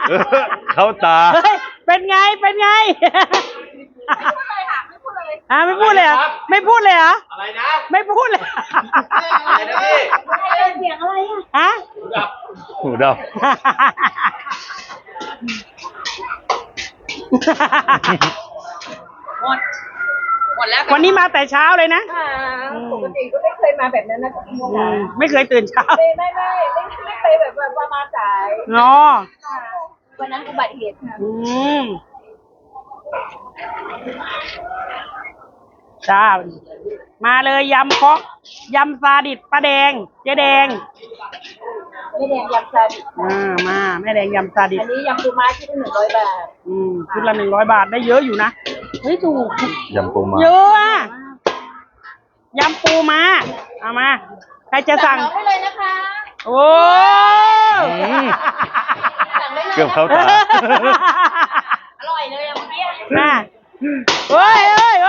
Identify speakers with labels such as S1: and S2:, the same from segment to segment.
S1: เข้าตา
S2: เฮ้ยเป็นไงเป็นไงไม่พูดเลยค่ะไม่พูดเลยเหรออะไรนะไม่พูดเลยอะไรนะพี่เสียงอะไรอ่ะ
S1: หูดับ
S2: หมดแล้ววันนี้มาแต่เช้าเลยนะ
S3: ปกติก็ไม่เคยมาแบบนั้นนะ
S2: ไม่เคยตื่นเช้า
S3: ไม่เคยแบบมาสาย
S2: อ๋อ
S3: วันนั้นอุบัติเหตุค่ะ
S2: จ้ามาเลยยำเคาะยำซาดิสป้าแดงเจ๊แดง
S3: แม่แดงยำซาดิส
S2: มาแม่แดงยำซาดิส
S3: อันนี้ยำปูม้าชุดละ100 บาท
S2: ชุดละ100 บาทได้เยอะอยู่นะเฮ้ยถูก
S1: ยำปูม้า
S2: เยอะอะยำปูม้าเอามาใครจะสั่ง
S3: ได้เลยนะคะ
S2: โอ้
S1: เกือบเข้าตา
S3: อร่อยเลยเมื่อกี้
S2: น่ะเฮ้ย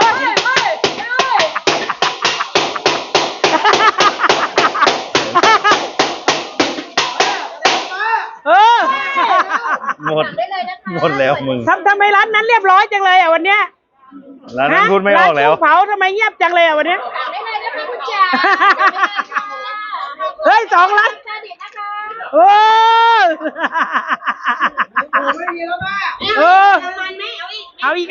S1: หมดแล้วมึง
S2: ทำไมร้านนั้นเรียบร้อยจังเลยอ่ะวันเนี้ย
S1: ร้านนั้นพูดไม่ออกแล้ว
S2: ร้านเผาทำไมเงียบจังเลยอ่ะวันเนี้ย
S3: ได้เลยนะคะคุณจ๋า
S2: เฮ้ย2 ร้านโอ้
S3: ไม่มีแล้วแม่
S2: เอาอีก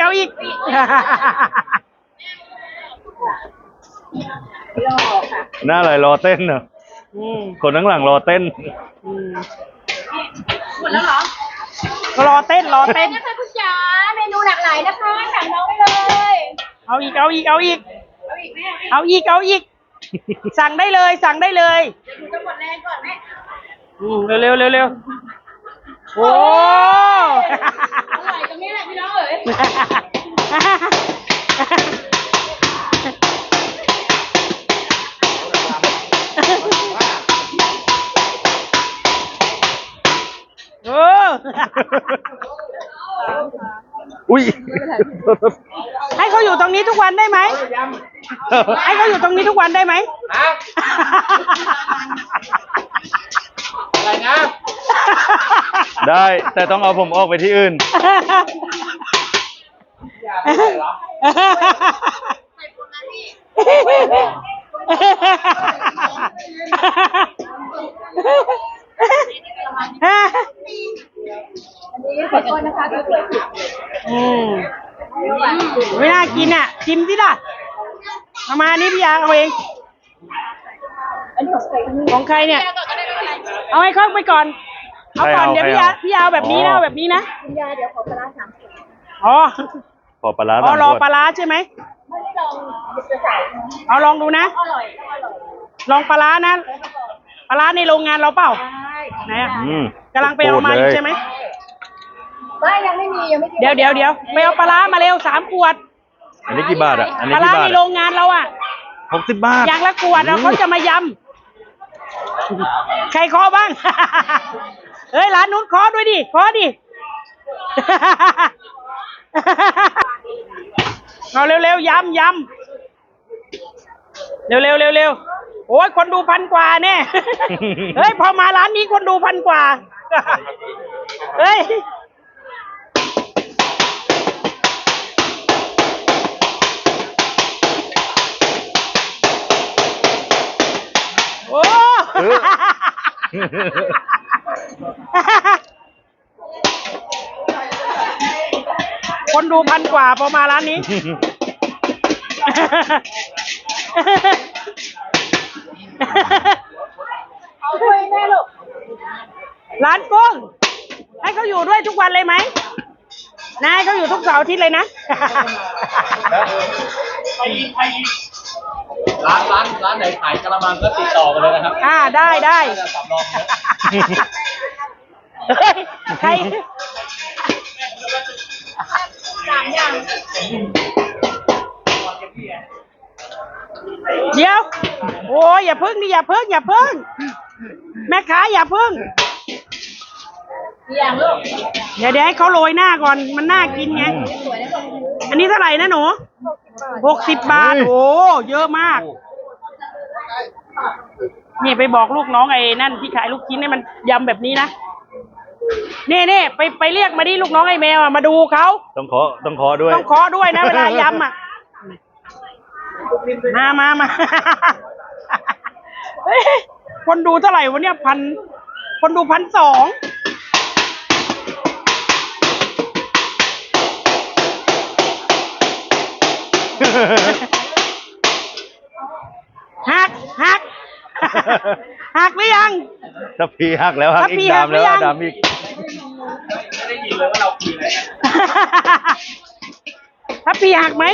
S1: หน้าอะไรรอเต้นเหรอคนข้างหลังรอเต้น
S3: หมดแล้วเหรอ
S2: รอเต้น
S3: นะคะคุณจ๋าเมนูหลากหลายนะคะสั่งน้องได้เลย
S2: เอาอีกสั่งได้เลย
S3: เดี๋ยวดูจะหมดแรงก่อนแม่
S2: เร็วโอ้
S3: อร่อยตรงนี้แหละพี่น้องเอ๋ย
S1: อุ้ย
S2: ให้เขาอยู่ตรงนี้ทุกวันได้ไหมให้เขาอยู่ตรงนี้ทุกวันได้ไหม
S4: อะไรนะ
S1: ได้แต่ต้องเอาผมออกไปที่อื่น
S3: อันนี้ขอโทษนะคะที่ช่วยผิด
S2: ไม่น่ากินอ่ะชิมสิล่ะเอามานี่พี่ยาเอาเอง
S3: อันนี้
S2: ของใครเนี่ยเอาให้เขาไปก่อนเอาก่อนเดี๋ยวพี่ยาแบบนี้นะแบบนี้นะ
S3: คุณยาเดี๋ยวขอปลา3 ขวด
S1: ขอปลา
S2: รอปลาใช่ไหม
S3: ไม่ได้ลองจะใส่
S2: เอาลองดูนะ
S3: อร่อย
S2: ลองปลานะปลาในโรงงานเราเปล่าไหนอ่ะกำลังไปเอามาอยู่ใช่ไหม
S3: ไม่ยังไม่มี
S2: เดี๋ยวไปเอาปลามาเร็ว3 ขวด
S1: อันนี้กี่บาทอ่ะอันนี้
S2: ปลาในโรงงานเราอ่ะ
S1: 60 บาท
S2: อย่างละขวดเขาจะมายำใครเคาะบ้างเฮ้ยร้านนู้นเคาะด้วยดิเคาะดิเอาเร็วๆยำเร็วโอ้ยคนดู1,000 กว่าเนี่ยเฮ้ยพอมาร้านนี้คนดู1,000 กว่าเฮ้ยโอ้คนดู1,000 กว่าพอมาร้านนี้
S3: เอาด้วยแม่ลูก
S2: ร้านกุ้งให้เขาอยู่ด้วยทุกวันเลยไหมนายเขาอยู่ทุกเสาร์อาทิตย์เลยนะ
S4: ร้านไหนขายกะละมังก็ติดต่อกันเลยนะครับ
S2: ได้
S4: สำรองนะ
S2: ใคร
S3: 3 อย่าง
S2: เดี๋ยวโอ้ยอย่าพึ่งแม่ค้าอย่าพึ่ง
S3: อย่างลูก
S2: เดี๋ยวให้เขาโรยหน้าก่อนมันน่ากินไงอันนี้เท่าไหร่นะหนู60 บาทโอ้เยอะมากนี่ไปบอกลูกน้องไอ้นั่นที่ขายลูกชิ้นให้มันยำแบบนี้นะนี่ไปเรียกมาดิลูกน้องไอ้แมวอ่ะมาดูเขา
S1: ต้องขอด้วย
S2: ต้องเคาะด้วยนะเวลายำอ่ะมา เฮ้ยคนดูเท่าไหร่วะเนี่ยคนดู1,200หัก หักหรือยัง
S1: ถ้าพีหักแล้วหัก
S2: ถ้า
S1: อี
S2: พี
S1: ก
S2: หั
S1: ดาก ม
S2: หรื
S1: แล้ว
S2: อยัง
S1: ดามอีก
S4: ไม่ได้ยินเลยว่าเราคุยอะไรกัน
S2: ถ้าปีหักไหม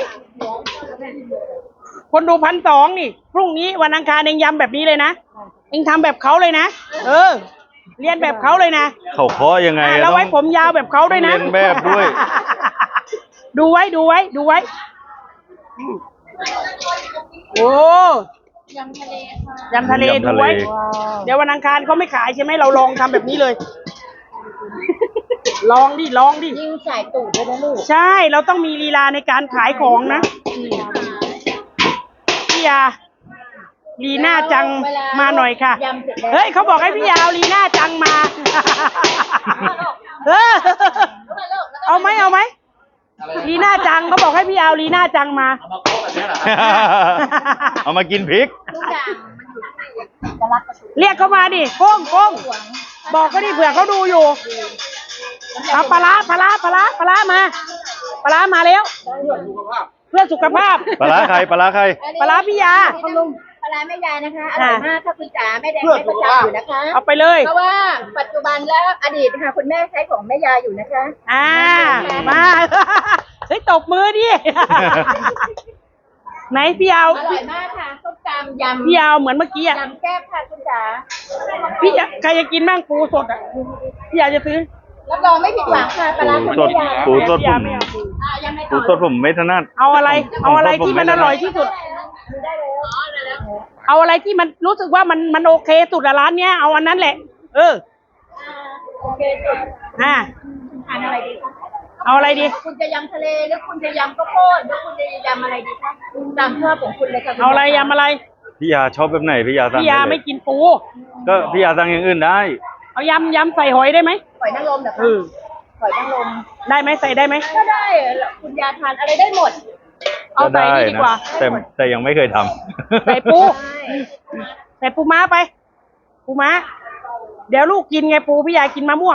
S2: คนดู1,200นี่ พรุ่งนี้วันอังคารเองยำแบบนี้เลยนะ เองทำแบบเขาเลยนะ เรียนแบบเขาเลยนะ
S1: เขาเคาะยังไง
S2: แล้วไว้ผมยาวแบบเขาด้วยนะ
S1: เรียนแบบด้วย
S2: ดูไว้ โอ้ยำทะเลดูไว้ เดี๋ยววันอังคารเขาไม่ขายใช่ไหมเราลองทำแบบนี้เลย ลองดิ
S3: ยิงใส่ตูดเลยนะลูก
S2: ใช่ เราต้องมีลีลาในการขายของนะพี่ยาลีน่าจังมาหน่อยค่ะ เฮ้ยเขาบอกให้พี่ยาเอาลีน่าจังมาเอาไหมลีน่าจังเขาบอกให้พี่ยาเอาลีน่าจังมา
S4: เอามาโค้งแบบนี้เหรอ
S1: เอามากินพริก
S3: ทุกอย่างมันอยู่ที่เอกลักษณ์
S2: เรียกเขามาดิโค้งบอกเขาดิเผื่อเขาดูอยู่เอาปลาร้ามาปลาร้ามาแล้ว เพื่อสุขภาพ
S1: ปลาร้าใคร
S2: ปลาร้าพี่ยา
S3: ปลาร้าแม่ยายนะคะอร่อยมากค่ะคุณจ๋าแม่แดงไม่ประจำอยู่นะคะ
S2: เอาไปเลย
S3: เพราะว่าปัจจุบันและอดีตค่ะคุณแม่ใช้ของแม่ยายอยู่นะคะ
S2: มาเฮ้ยตบมือดิไหนพี่ยาว
S3: อร่อยมากค่ะส้มตำยำ
S2: พี่ยาวเหมือนเมื่อกี้อ่ะ
S3: ยำแก้บค่ะคุณจ๋า
S2: พี่ยาใครจะกินบ้างปูสดอ่ะพี่ยาจะซื้อ
S3: รับรองไม่ผิดหวังค่ะปลาร้าคุณ
S1: สด
S3: แม่ยาย
S1: ปูสด
S2: พี่
S1: ผ
S2: ยาม ไม่เอาปู
S3: ยังไม่
S1: ปูสดผมไม่ถนัด
S2: เอาอะไรที่มันอร่อยที่สุด
S3: ได้เลย
S2: เอาอะไรที่มันรู้สึกว่ามันโอเคสุดอะร้านเนี้ยเอาอันนั้นแหละ
S3: โอเคสุด
S2: อ่า
S3: ทานอะไรดีคะ
S2: เอาอะไรดี
S3: คุณจะยำทะเลหรือคุณจะยำข้าวโพดหรือคุณจะยำอะไรดีคะตามชอบของคุณเลยค่ะคุณ
S2: เอาอะไรยำอะไร
S1: พี่ยาชอบแบบไหนพี่ยาสั่ง
S2: พี่ยา
S1: ด้เล
S2: ไม่กินปู
S1: ก็พี่ยาสั่งอย่างอื่นได้
S2: เอายำใส่หอยได้ไหม
S3: หอยนางรมเหรอคะหอยนางรม
S2: ได้ไหมใส่ได้ไหม
S3: ก็ได้คุณยาทานอะไรได้หมด
S2: เอาใส่นี่ดีกว่า
S1: แต่ยังไม่เคยทำ
S2: ใส่ปูใส่ปูม้าไป ปูม้า เดี๋ยวลูกกินไงปูพี่ยากินมะม่วง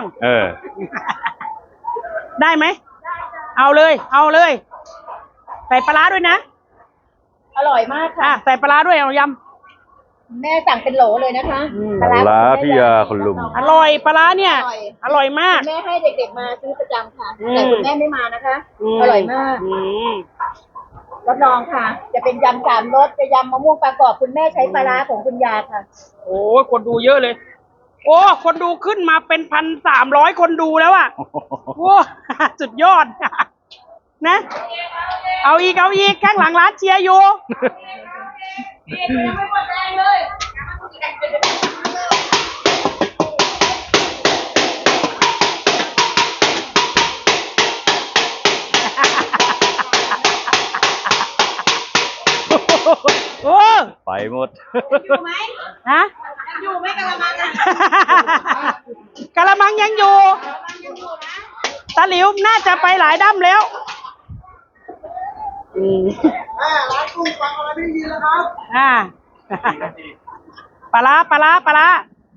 S2: ได้ไหม เอาเลย ใส่ปลาร้าด้วยนะ
S3: อร่อยมากค่ะ
S2: ใส่ปลาร้าด้วยเอาย
S3: แม่สั่งเป็นโหลเลยนะคะ
S1: ปลาร้าพี่ยาคนลุม
S2: ำอร่อยปลาร้าเนี่ย อร่อยมาก
S3: แม่ให้เด็กๆมาซื้อประจำค่ะแต่คุณแม่ไม่มานะคะ อร่อยมากรับรองค่ะ จะเป็นยำสามรสจะยำมะม่วงปลากรอบคุณแม่ใช้ปลาร้าของคุณยาค่ะ
S2: โอ้ยคนดูเยอะเลย โอ้คนดูขึ้นมาเป็น1,300 คนดูแล้วอ่ะโอ้สุดยอด นะ เอาอีกข้างหลังร้านเชียร์อยู่ โอ้
S1: ไปหมด
S3: อยู่ไหม
S2: ฮะ
S3: อยู่ไหมกะละมังอ่ะ
S2: กะละมังยังอยู่ ตาหลิวน่าจะไปหลายด้ำแล้วร้านกุ้งฟังอะไรไม่ได้ยินแล้วครับปลาร้า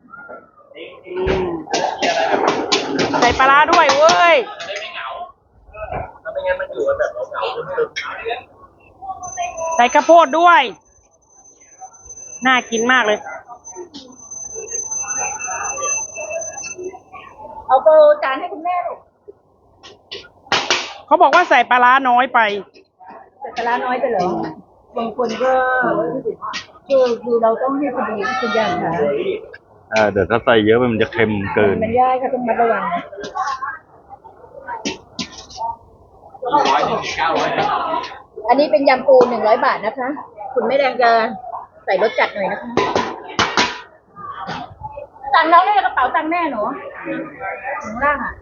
S2: ใส่ปลาร้าด้วยเว้ย
S4: ได้ไม่เหงาถ้าไม่งั้นมันอยู่กันแบบเหงาๆซึม
S2: ใส่ข้าวโพดด้วย น่ากินมากเลย
S3: เอาโบจานให้คุณแม่ลูก
S2: เขาบอกว่าใส่ปลาร้าน้อยไป
S3: แต่ปลาร้าน้อยไปเหรอบางคนก็คือเราต้องให้พอดีคุณยาค่ะ
S1: เดี๋ยวถ้าใส่เยอะไปมันจะเค็มเกิน
S3: มันยากค่ะต้องมัดระวัง อันนี้เป็นยำปู100 บาทนะคะ คุณแม่แดงจะใส่รสจัดหน่อยนะคะสั่งน้องได้กระเป๋าตังค์แม่หนูข้างล่างอ่ะ